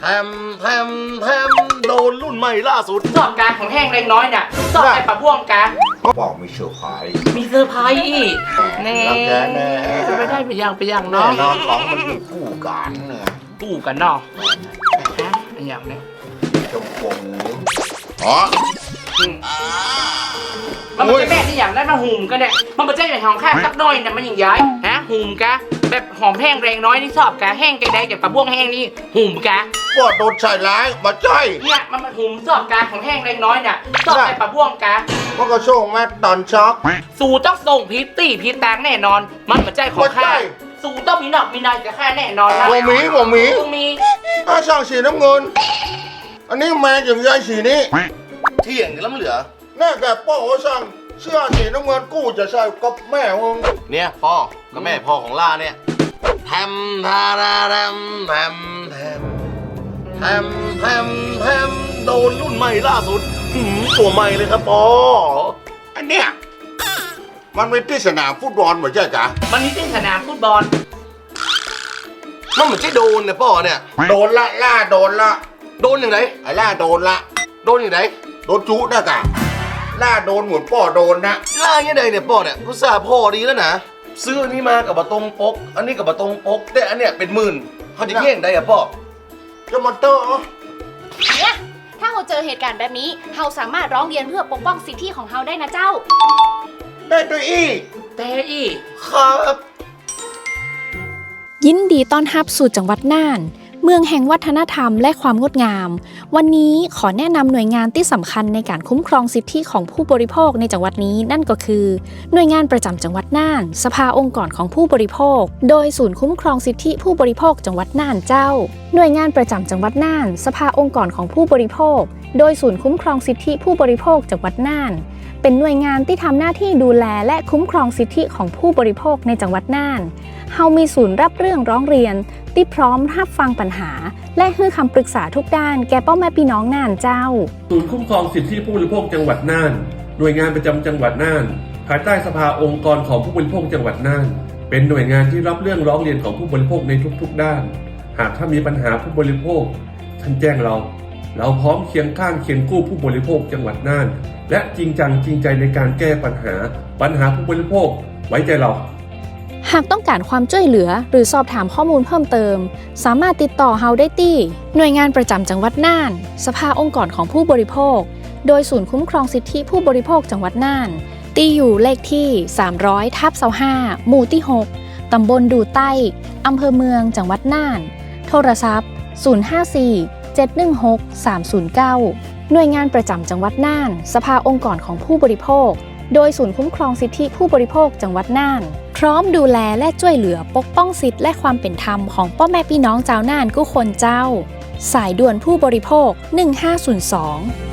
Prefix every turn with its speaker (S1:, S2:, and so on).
S1: แทมแทมแทมโดนรุ่นใหม่ล่าสุด
S2: สอบการของแห้งเล็กน้อยเนี่ยสอบไอ้ปะพ่วงการ
S1: บอกมีเซอร์ไพรส์
S2: มีเซอร์ไพรส์อีกแน่จะไม่ได้ไปยังเนาะ
S1: นอนของมันอยู่คู่กันเนี่ย
S2: กู้กันเนาะฮะอันอย่างเนี้ย
S1: ชมพูอ๋อ
S2: มันจะแม่ที่อย่างได้มาหุ่มกันเนี่ยมันไม่ใช่แบบหอมข้าวสักน้อยเนี่ยมันอย่างย้ายฮะหุ่มกะแบบหอมแห้งแรงน้อยนี่ชอบกะแห้งแกได้จากปลาบ้วงแห้งนี่หุ่มกะ
S1: ก็โดนใส่ร้ายมาใจ
S2: เนี่ยมันหุ่มชอบกะของแห้งแรงน้อยเนี่ยชอบไอ้ปลาบ้วงกะ
S1: มันก็ส่งมาตอนช็อก
S2: สู่ต้องส่งพิตตี้พิตแตงแน่นอนมันไม่ใช่ของข้าสู่ต้องมีหนอกมีนายกับข้าแน่นอนนะ
S1: ผมมีถ้าช่างสีน้ำเงินอันนี้แมงอย่างยายสีนี้เที่ยงกันแล้วเหลือแน่แกพ่อเขาสั่งเสื้อสีน้ำเงินกู้จะใส่กับแม่มึงเนี่ยพ่อกับแม่พ่อของล่าเนี่ยแทมทาราแทมแทมแทมแทมแทมแทมโดนรุ่นใหม่ล่าสุดตัวใหม่เลยครับพ่ออันเนี้ยมันเป็นที่สนามฟุตบอลเหมือนใช่จ้ะ
S2: มันมีที่สนามฟุตบอล
S1: มันเหมือนใช่โดนเนี่ยพ่อเนี่ยโดนละล่าโดนละโดนอย่างไรไอ้ล่าโดนละโดนอย่างไรโดนจุนะกะล่าโดนเหมือนพ่อโดนนะล่าอย่างไรเนี่ยพ่อเนี่ยรู้สึกพ่อดีแล้วนะซื้ออันนี้มากับบะตงปกอันนี้กับบะตงปกแต่อันเนี้ยเป็นหมื่นเขาจะเย่งได้อะพ่อจะมอเตอร์
S3: เนี่ยถ้าเราเจอเหตุการณ์แบบนี้เราสามารถร้องเรียนเพื่อปกป้องสิทธิของเราได้นะเจ้า
S1: ได้ด้วยครับ
S4: ยินดีต้อนรับสู่จังหวัดน่านเมืองแห่งวัฒนธรรมและความงดงามวันนี้ขอแนะนำหน่วยงานที่สำคัญในการคุ้มครองสิทธิของผู้บริโภคในจังหวัดนี้นั่นก็คือหน่วยงานประจำจังหวัดน่านสภาองค์กรของผู้บริโภคโดยศูนย์คุ้มครองสิทธิผู้บริโภคจังหวัดน่านเจ้าหน่วยงานประจำจังหวัดน่านสภาองค์กรของผู้บริโภคโดยศูนย์คุ้มครองสิทธิผู้บริโภคจังหวัดน่านเป็นหน่วยงานที่ทำหน้าที่ดูแลและคุ้มครองสิทธิของผู้บริโภคในจังหวัดน่านเฮามีศูนย์รับเรื่องร้องเรียนที่พร้อมรับฟังปัญหาและให้คำปรึกษาทุกด้านแก่พ่อแม่พี่น้องน่านเจ้า
S5: ศูนย์คุ้มครองสิทธิผู้บริโภคจังหวัดน่านหน่วยงานประจำจังหวัดน่านภายใต้สภาองค์กรของผู้บริโภคจังหวัดน่านเป็นหน่วยงานที่รับเรื่องร้องเรียนของผู้บริโภคในทุกๆด้านหากถ้ามีปัญหาผู้บริโภคท่านแจ้งเราพร้อมเคียงข้างเคียงคู่ผู้บริโภคจังหวัดน่านและจริงจังจริงใจในการแก้ปัญหาผู้บริโภคไว้ใจเรา
S4: หากต้องการความช่วยเหลือหรือสอบถามข้อมูลเพิ่มเติมสามารถติดต่อเฮาได้ที่หน่วยงานประจำจังหวัดน่านสภาองค์กรของผู้บริโภคโดยศูนย์คุ้มครองสิทธิผู้บริโภคจังหวัดน่านที่อยู่เลขที่300/25หมู่ที่6ตำบลดูใต้อำเภอเมืองจังหวัดน่านโทรศัพท์054-716-309หน่วยงานประจำจังหวัดน่านสภาองค์กรของผู้บริโภคโดยศูนย์คุ้มครองสิทธิผู้บริโภคจังหวัดน่านพร้อมดูแลและช่วยเหลือปกป้องสิทธิและความเป็นธรรมของพ่อแม่พี่น้องชาวน่านทุกคนเจ้าสายด่วนผู้บริโภค1502